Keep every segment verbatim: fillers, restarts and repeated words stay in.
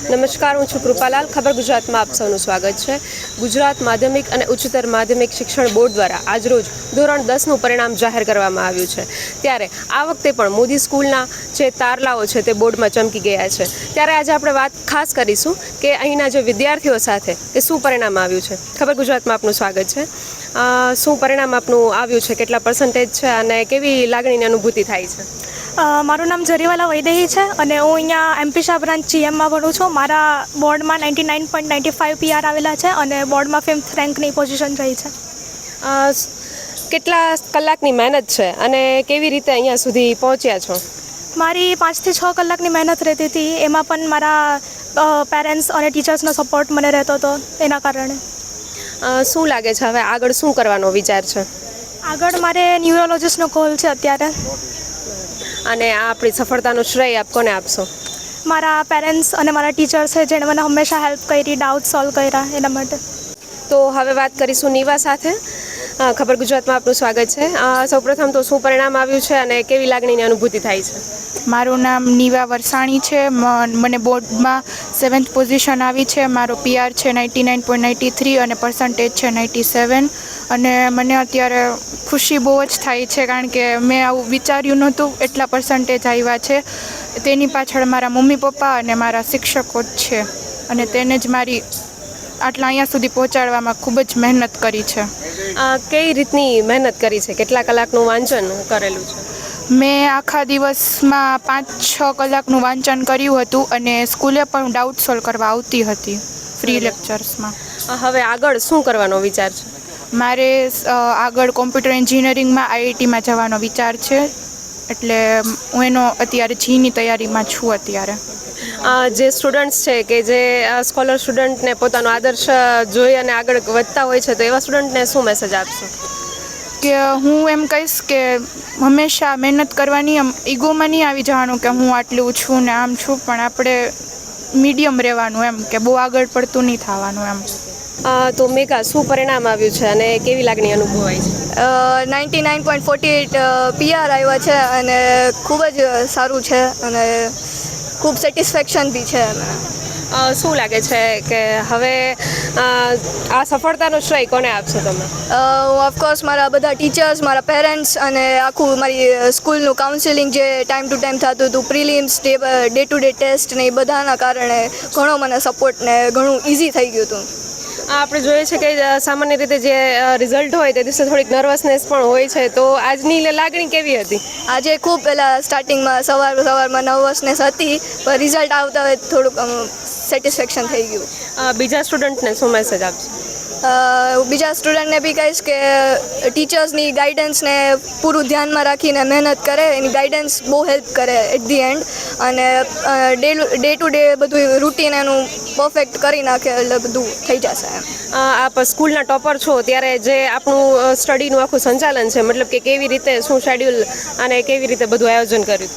નમસ્કાર, હું છું કૃપાલાલ. ખબર ગુજરાતમાં આપ સૌનું સ્વાગત છે. ગુજરાત માધ્યમિક અને ઉચ્ચતર માધ્યમિક શિક્ષણ બોર્ડ દ્વારા આજરોજ ધોરણ દસનું પરિણામ જાહેર કરવામાં આવ્યું છે. ત્યારે આ વખતે પણ મોદી સ્કૂલના જે તારલાઓ છે તે બોર્ડમાં ચમકી ગયા છે. ત્યારે આજે આપણે વાત ખાસ કરીશું કે અહીંના જે વિદ્યાર્થીઓ સાથે કે શું પરિણામ આવ્યું છે. ખબર ગુજરાતમાં આપનું સ્વાગત છે. શું પરિણામ આપનું આવ્યું છે, કેટલા પર્સન્ટેજ છે અને કેવી લાગણીની અનુભૂતિ થાય છે? મારું નામ જરીવાલા વૈદેહી છે અને હું અહીંયા એમપી શાહ બ્રાન્ચ જીએમમાં ભણું છું. મારા બોર્ડમાં ninety nine point ninety five PR આવેલા છે અને બોર્ડમાં ફિફ્થ રેન્કની પોઝિશન રહી છે. કેટલા કલાકની મહેનત છે અને કેવી રીતે અહીંયા સુધી પહોંચ્યા છો? મારી પાંચથી છ કલાકની મહેનત રહેતી હતી. એમાં પણ મારા પેરેન્ટ્સ અને ટીચર્સનો સપોર્ટ મને રહેતો હતો. એના કારણે શું લાગે છે હવે આગળ શું કરવાનો વિચાર છે? આગળ મારે ન્યુરોલોજીસ્ટનો કોલ છે અત્યારે. અને આ આપણી સફળતાનો શ્રેય આપ કોને આપશો? મારા પેરેન્ટ્સ અને મારા ટીચર્સ છે જેણે મને હંમેશા હેલ્પ કરી, ડાઉટ સોલ્વ કર્યા, એના માટે. તો હવે વાત કરીશું નીવા સાથે. ખબર ગુજરાતમાં આપનું સ્વાગત છે. સૌપ્રથમ તો શું પરિણામ આવ્યું છે અને કેવી લાગણીની અનુભૂતિ થાય છે? મારું નામ નીવા વરસાણી છે. મને બોર્ડમાં સેવન્થ પોઝિશન આવી છે. મારો પીઆર છે ninety nine point ninety three અને પર્સન્ટેજ છે નાઇન્ટી સેવન. અને મને અત્યારે ખુશી બહુ જ થાય છે કારણ કે મેં આવું વિચાર્યું નહોતું એટલા પર્સન્ટેજ આવ્યા છે. તેની પાછળ મારા મમ્મી પપ્પા અને મારા શિક્ષકો જ છે અને તેને જ મારી આટલા અહીંયા સુધી પહોંચાડવામાં ખૂબ જ મહેનત કરી છે. કઈ રીતની મહેનત કરી છે? કેટલા કલાકનું વાંચન કરેલું છે? મેં આખા દિવસમાં પાંચ છ કલાકનું વાંચન કર્યું હતું અને સ્કૂલે પણ ડાઉટ સોલ્વ કરવા આવતી હતી ફ્રી લેક્ચર્સમાં. હવે આગળ શું કરવાનો વિચાર છે? મારે આગળ કોમ્પ્યુટર એન્જિનિયરિંગમાં આઈઆઈટીમાં જવાનો વિચાર છે. એટલે હું એનો અત્યારે જીની તૈયારીમાં છું. અત્યારે જે સ્ટુડન્ટ્સ છે કે જે સ્કોલર સ્ટુડન્ટને પોતાનો આદર્શ જોઈ અને આગળ વધતા હોય છે, તો એવા સ્ટુડન્ટને શું મેસેજ આપશો? કે હું એમ કહીશ કે હંમેશા મહેનત કરવાની, આમ ઈગોમાં નહીં આવી જવાનું કે હું આટલું છું ને આમ છું, પણ આપણે મીડિયમ રહેવાનું, એમ કે બહુ આગળ પડતું નહીં થવાનું એમ. તો મેઘા, શું પરિણામ આવ્યું છે અને કેવી લાગણી અનુભવાય છે? Ninety nine point forty eight PR આવ્યા છે અને ખૂબ જ સારું છે અને ખૂબ સેટિસ્ફેક્શન બી છે. શું લાગે છે કે હવે આ સફળતાનો શ્રેય કોને આપશો તમે? હું ઓફકોર્સ મારા બધા ટીચર્સ, મારા પેરેન્ટ્સ અને આખું મારી સ્કૂલનું કાઉન્સિલિંગ જે ટાઈમ ટુ ટાઈમ થતું હતું, prelims, day day to day test ને એ બધાના કારણે ઘણો મને સપોર્ટ ને ઘણું ઇઝી થઈ ગયું હતું. આપણે જોઈએ છે કે સામાન્ય રીતે જે રિઝલ્ટ હોય તે દિવસે થોડીક નર્વસનેસ પણ હોય છે, તો આજની લાગણી કેવી હતી? આજે ખૂબ પહેલાં સ્ટાર્ટિંગમાં સવાર સવારમાં નર્વસનેસ હતી, પણ રિઝલ્ટ આવતા હોય થોડુંક સેટિસ્ફેક્શન થઈ ગયું. બીજા સ્ટુડન્ટને શું મેસેજ આપશો? બીજા સ્ટુડન્ટને બી કહીશ કે ટીચર્સની ગાઈડન્સને પૂરું ધ્યાનમાં રાખીને મહેનત કરે. એની ગાઈડન્સ બહુ હેલ્પ કરે એટ ધી એન્ડ. અને ડે ડે ટુ ડે બધું રૂટીન એનું પરફેક્ટ કરી નાખે એટલે બધું થઈ જશે એમ. આપ સ્કૂલના ટોપર છો, ત્યારે જે આપણું સ્ટડીનું આખું સંચાલન છે, મતલબ કે કેવી રીતે શું શેડ્યુલ અને કેવી રીતે બધું આયોજન કર્યું?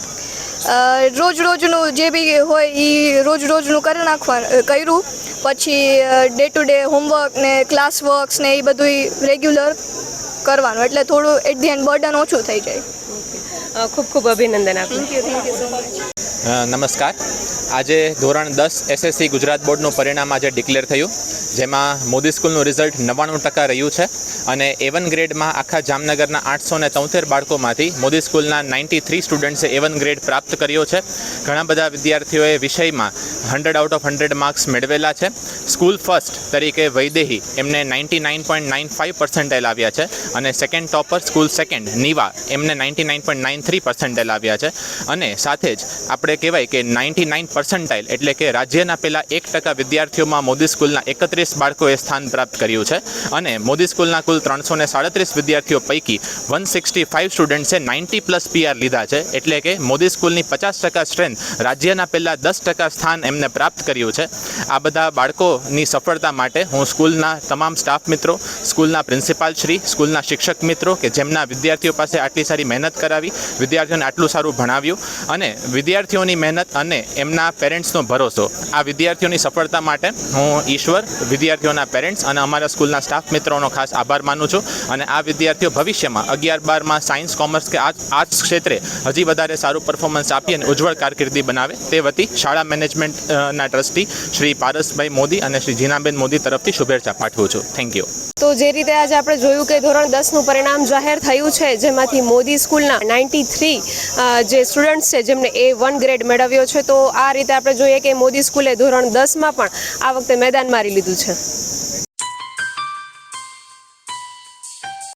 રોજ રોજનું જે બી હોય એ રોજ રોજનું કરી નાખવા કર્યું. પછી ડે ટુ ડે હોમવર્ક ને ક્લાસ વર્ક્સ ને એ બધું રેગ્યુલર કરવાનું, એટલે થોડું એટ ધી એન્ડ બર્ડન ઓછું થઈ જાય. ખૂબ ખૂબ અભિનંદન આપનું. Thank you thank you so much. નમસ્કાર. આજે ધોરણ દસ એસએસસી ગુજરાત બોર્ડનું પરિણામ આજે ડિક્લેર થયું, જેમાં મોદી સ્કૂલનું રિઝલ્ટ નવ્વાણું ટકા રહ્યું છે અને એ વન ગ્રેડમાં આખા જામનગરના આઠસો ને તોતેર બાળકોમાંથી મોદી સ્કૂલના નાઇન્ટી થ્રી સ્ટુડન્ટ્સે એ વન ગ્રેડ પ્રાપ્ત કર્યો છે. ઘણા બધા વિદ્યાર્થીઓએ વિષયમાં hundred out of hundred marks મેળવેલા છે. સ્કૂલ ફર્સ્ટ તરીકે વૈદેહી એમને ninety nine point nine five percentile આવ્યા છે અને second topper school second Niva એમને ninety nine point nine three percentile આવ્યા છે. અને સાથે જ આપણે કહેવાય કે નાઇન્ટી નાઇન પર્સન્ટાઇલ એટલે કે રાજ્યના પહેલાં એક ટકા વિદ્યાર્થીઓમાં મોદી સ્કૂલના એકત્રીસ બાળકોએ સ્થાન પ્રાપ્ત કર્યું છે. અને મોદી સ્કૂલના કુલ ત્રણસો ને સાડત્રીસ વિદ્યાર્થીઓ પૈકી વન સિક્સટી ફાઇવ સ્ટુડન્ટ્સે નાઇન્ટી પ્લસ પીઆર લીધા છે. એટલે કે મોદી સ્કૂલની પચાસ ટકા સ્ટ્રેન્થ રાજ્યના પહેલાં દસ ટકા સ્થાન એમને પ્રાપ્ત કર્યું છે. આ બધા બાળકોની સફળતા માટે હું સ્કૂલના તમામ સ્ટાફ મિત્રો, સ્કૂલના પ્રિન્સિપાલ શ્રી, સ્કૂલના શિક્ષક મિત્રો કે જેમના વિદ્યાર્થીઓ પાસે આટલી સારી મહેનત કરાવી, વિદ્યાર્થીઓને આટલું સારું ભણાવ્યું અને વિદ્યાર્થીઓની મહેનત અને એમના પેરેન્ટ્સનો ભરોસો, આ વિદ્યાર્થીઓની સફળતા માટે હું ઈશ્વર, વિદ્યાર્થીઓના પેરેન્ટ્સ અને અમારા સ્કૂલના સ્ટાફ મિત્રોનો ખાસ આભાર માનું છું અને આ વિદ્યાર્થીઓ ભવિષ્યમાં અગિયાર બારમાં સાયન્સ કોમર્સ કે આર્ટ્સ ક્ષેત્રે હજી વધારે સારું પરફોર્મન્સ આપી અને ઉજ્જવળ કારકિર્દી બનાવે તે વતી શાળા મેનેજમેન્ટના ટ્રસ્ટી શ્રી પારસભાઈ મોદી અને શ્રી જીનાબેન મોદી તરફથી શુભેચ્છા પાઠવું છું. Thank you. તો જે રીતે આજે આપણે જોયું કે ધોરણ દસનું પરિણામ જાહેર થયું છે, જેમાંથી મોદી સ્કૂલના નાઇન્ટી થ્રી જે સ્ટુડન્ટ્સ છે જેમને એ વન ગ્રેડ મેળવ્યો છે. તો આ રીતે આપણે જોઈએ કે મોદી સ્કૂલે ધોરણ દસમાં પણ આ વખતે મેદાન મારી લીધું છે.